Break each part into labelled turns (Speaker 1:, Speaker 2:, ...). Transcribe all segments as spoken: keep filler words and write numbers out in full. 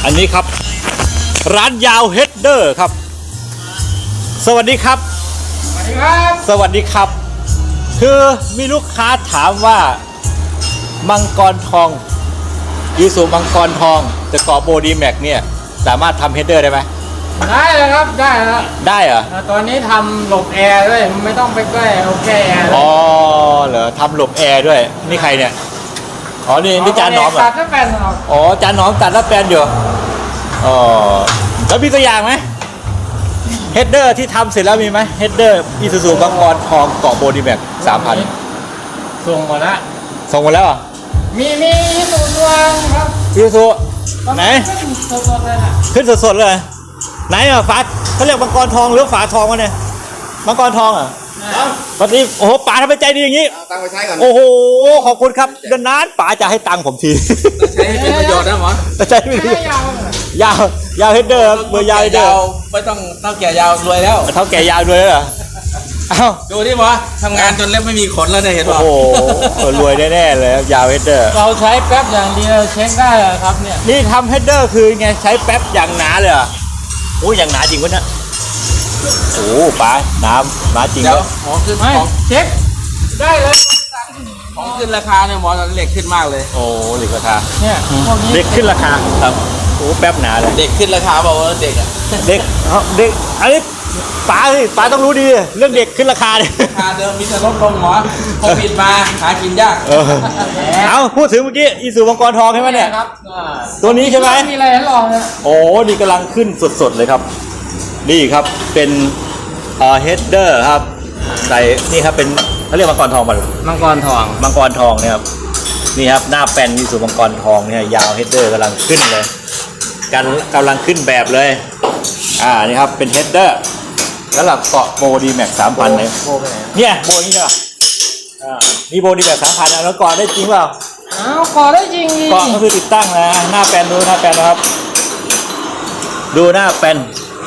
Speaker 1: อันนี้ครับร้านยาวเฮดเดอร์ครับสวัสดีครับ
Speaker 2: สวัสดีครับ
Speaker 1: สวัสดีครับคือมีลูกค้าถามว่ามังกรทองยูสุมังกรทองจะเกาะโบดีแม็กเนี่ยสามารถทำเฮดเดอร์ได้ไหม
Speaker 2: ได้เลยครับได้แล้ว
Speaker 1: ได้เหรอ
Speaker 2: ตอนนี้ทำหลบแอร์ด้วยไม่ต้องไปใกล้เอาแค่แอร์
Speaker 1: อ๋อเหรอทำหลบแอร์ด้วยนี่ใครเนี่ยอ๋อนี่นี่จานน้อมเหรอ
Speaker 2: ตัดแล้วแปลน
Speaker 1: อ๋อจานน้อมตัดแล้วแปลนอยู่อ๋อแล้วมีตัวอย่างไหมเฮดเดอร์ที่ทำเสร็จแล้วมีไหมเฮดเดอร์อีซูซูมังกรทองเกาะโบดีแม็กสามพัน
Speaker 2: ส่งหมดแล้ว
Speaker 1: ส่งหมดแล้วอ่ะ
Speaker 2: มีมีตัวตัวครับ
Speaker 1: อีซูซูไหน
Speaker 2: ขึ้นสดๆเลยนะ
Speaker 1: ขึ้นสดๆเลยไหนอ่ะฝาเขาเรียกมังกรทองหรือฝาทองวะเนี่ยมังกรทองอ่ะวันนี้โอ้โหป๋าทำไมใจดีอย่างนี้
Speaker 3: ตังไปใช้ก่อน
Speaker 1: โอ้โหขอบคุณครับนานๆป๋าจะให้ตังค์ผมที
Speaker 3: ใช้เป็นประโยชน์นะหมอ
Speaker 1: ใช้ไม่ได้ยาวยาวเฮดเดอร์เบอร์ยาวเฮดเดอร์
Speaker 3: ไม่ต้องเท่าแก่ยาวรวยแล้ว
Speaker 1: เท่าแก่ยาวรวยแล้วเหรออ้าว
Speaker 3: ดูที่หมอทำงานจนเล็บไม่มีขนแล้วเนี่ยเห็นป่ะ
Speaker 1: โอ้โหรวยแน่ๆเลยยาวเฮดเดอร์
Speaker 2: เราใช้แป๊บอย่างเดียวเช็คได้ครับเนี่ย
Speaker 1: นี่ทำเฮดเดอร์คือไงใช้แป๊บอย่างหนาเลยอ่ะโอ้อย่างหนาจริงวะเนี่ยโอ้ป๋าน้ำมาจริง
Speaker 3: เดี๋ยวของขึ้นของ
Speaker 2: เช็คได้เลย
Speaker 3: ของขึ้นราคาเนี่ยหมอเหล็กขึ้นมากเลย
Speaker 1: โอ้เหล็กราคา
Speaker 2: เนี่ย
Speaker 1: เด็กขึ้นราคาครับโอ้แป๊บหนาเลย
Speaker 3: เด็กขึ้นราคาบอกว่าเด็กอ่ะ
Speaker 1: เด็กเด็กอันนี้ป๋าสิป๋าต้องรู้ดีเรื่องเด็กขึ้นราคาเนี่ย
Speaker 3: ราคาเดิมมีแต่ลดลงหมอโควิดมาหากินยาก
Speaker 1: เอาพูดถึงเมื่อกี้อีซูมังกรทองใช่ไหมเนี่ยตัวนี้ใช่ไหม
Speaker 2: มีอะไรให้ลองเนี่ย
Speaker 1: โอ้นี่กำลังขึ้นสดๆเลยครับนี่ครับเป็นเอ่อเฮดเดอร์ครับใส่นี่ครับเป็นเขาเรียกมังกรทองป่ะ
Speaker 2: มังกรทอง
Speaker 1: มังกรทองเนี่ยครับนี่ครับหน้าแป้นมีสูตรมังกรทองเนี่ยยาวเฮดเดอร์กำลังขึ้นเลยกันกำลังขึ้นแบบเลยอ่านี่ครับเป็นเฮดเดอร์แล้วหลับเกาะโบดีแม็กสามพันเลยเนี่ยโบนี่ใช่ป่ะอ่านี่โบดีแม็กสามพันแล้วเกาะได้จริงเปล่า
Speaker 2: อ้าวเกาะได้จริงดิ
Speaker 1: เกาะก็คือติดตั้งนะหน้าแป้นดูหน้าแป้นนะครับดูหน้าแป้น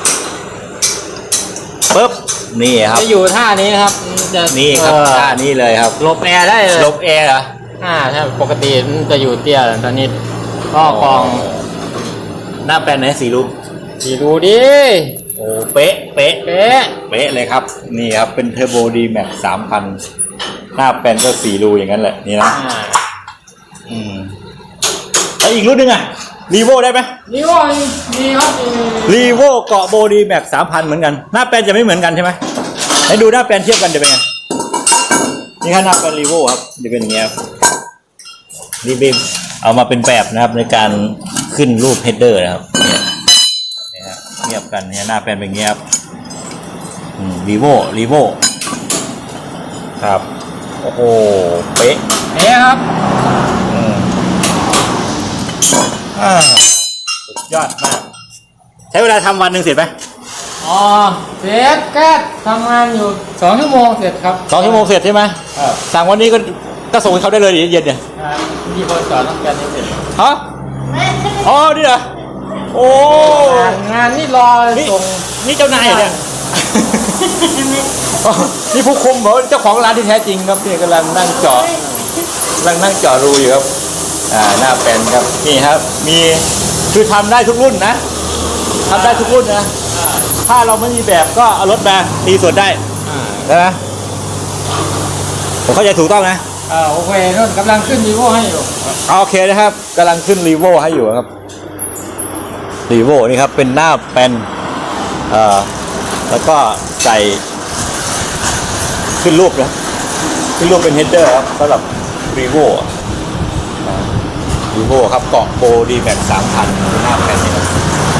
Speaker 1: ปึ๊บนี่ครับ
Speaker 2: จะอยู่ท่านี้ครับ
Speaker 1: จะนี่ครับท่านี้เลยครับ
Speaker 2: หลบแอร์ได้เลย
Speaker 1: หลบแอร์เหรอ
Speaker 2: อ่าถ้าปกติมันจะอยู่เตี้ยตอนนี้ก็กอง
Speaker 1: หน้าแปลนไหนสีรู
Speaker 2: สีรูดิ
Speaker 1: โอ้เป๊ะเป๊ะ
Speaker 2: เป๊ะ
Speaker 1: เป๊ะเลยครับนี่ครับเป็นเทอร์โบดีแม็กสามพันหน้าแปลนก็สีรูอย่างนั้นแหละนี่นะอืมแล้วอีกรุ่นหนึ่งอะรีโวได้ไหม
Speaker 2: รีโวมีครับ
Speaker 1: รีโวเกาะโบดีแม็กสามพันเหมือนกันหน้าแปลนจะไม่เหมือนกันใช่ไหมให้ดูหน้าแปลนเทียบกันจะเป็นไงนี่ครับหน้าแปลนรีโวครับจะเป็นอย่างเงี้ยนี่บีมเอามาเป็นแบบนะครับในการขึ้นรูปเฮดเดอร์นะครับเนี่ยเนี่ยเทียบกันเนี่ยหน้าแปลนเป็นอย่างเงี้ยครับรีโวรีโวครับโอ้โหเป๊ะ
Speaker 2: เป๊ะครับ
Speaker 1: อ่าสุดยอดมากใช้เวลาทำวันหนึ่งเสร็จไหม
Speaker 2: อ๋อเสร็จแค่ทำงานอยู่สองชั่วโมงเสร็จครับ
Speaker 1: สองชั่วโมงเสร็จใช่ไหมสั่งวันนี้ก็ก็ส่งให้เขาได้เลยเย็นเนี่ย
Speaker 2: มีคนสอนต้องการให้เสร็จ
Speaker 1: ฮะอ๋อนี่เหรอโอ้
Speaker 2: งานนี่รอส่ง
Speaker 1: นี่เจ้านายเนี่ยนี่ผู้คุมเหรอเจ้าของร้านที่แท้จริงครับนี่กำลังนั่งเจาะกำลังนั่งเจาะรูอยู่ครับอ่าหน้าแปลนครับนี่ครับมีคือทำได้ทุกรุ่นนะทำได้ทุกรุ่นนะถ้าเราไม่มีแบบก็เอารถมาตีส่วนได้ใช่ไหมผมเข้าใจถูกต้องนะ
Speaker 2: อ่าโอเคนู่นกำลังขึ้นรีโวให้อยู่
Speaker 1: โอเคนะครับกำลังขึ้นรีโวให้อยู่ครับรีโวนี่ครับเป็นหน้าแปลนเอ่อแล้วก็ใส่ขึ้นรูปนะขึ้นรูปเป็นเฮดเดอร์ครับสำหรับรีโวรีโวครับเกาะโบดีแม็กสามพันหน้าแปลนนี่ครับ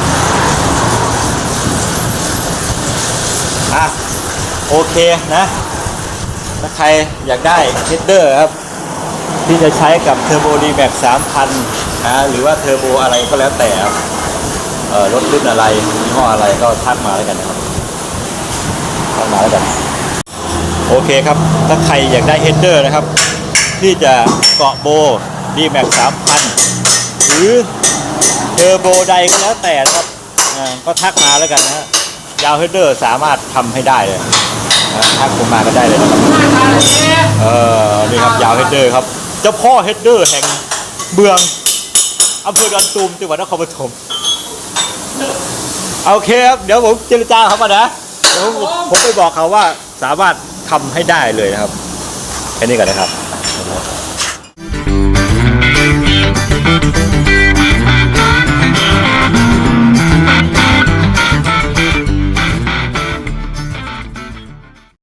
Speaker 1: อ่ะโอเคนะถ้าใครอยากได้เฮดเดอร์ครับที่จะใช้กับเทอร์โบดีแม็กสามพันนะหรือว่าเทอร์โบอะไรก็แล้วแต่ครับเอ่อรถรุ่นอะไรยี่ห้ออะไรก็ทักมาแล้วกันนะครับทักมาแล้วกันโอเคครับถ้าใครอยากได้เฮดเดอร์นะครับที่จะเกาะโบดีแม็กสามพันหรือเทอร์โบใดก็แล้วแต่นะครับก็ทักมาแล้วกันนะฮะยาวเฮดเดอร์สามารถทำให้ได้เลยทักผมมาก็ได้เลยนะครับเออนี่ครับยาวเฮดเดอร์ครับเจ้าพ่อเฮดเดอร์แห่งเมืองอำเภอดอนตูมจังหวัดนครปฐมโอเคครับเดี๋ยวผมเจรจาเขาก่อนนะเดี๋ยวผมผมไปบอกเขาว่าสามารถทำให้ได้เลยนะครับแค่นี้ก่อนนะครับ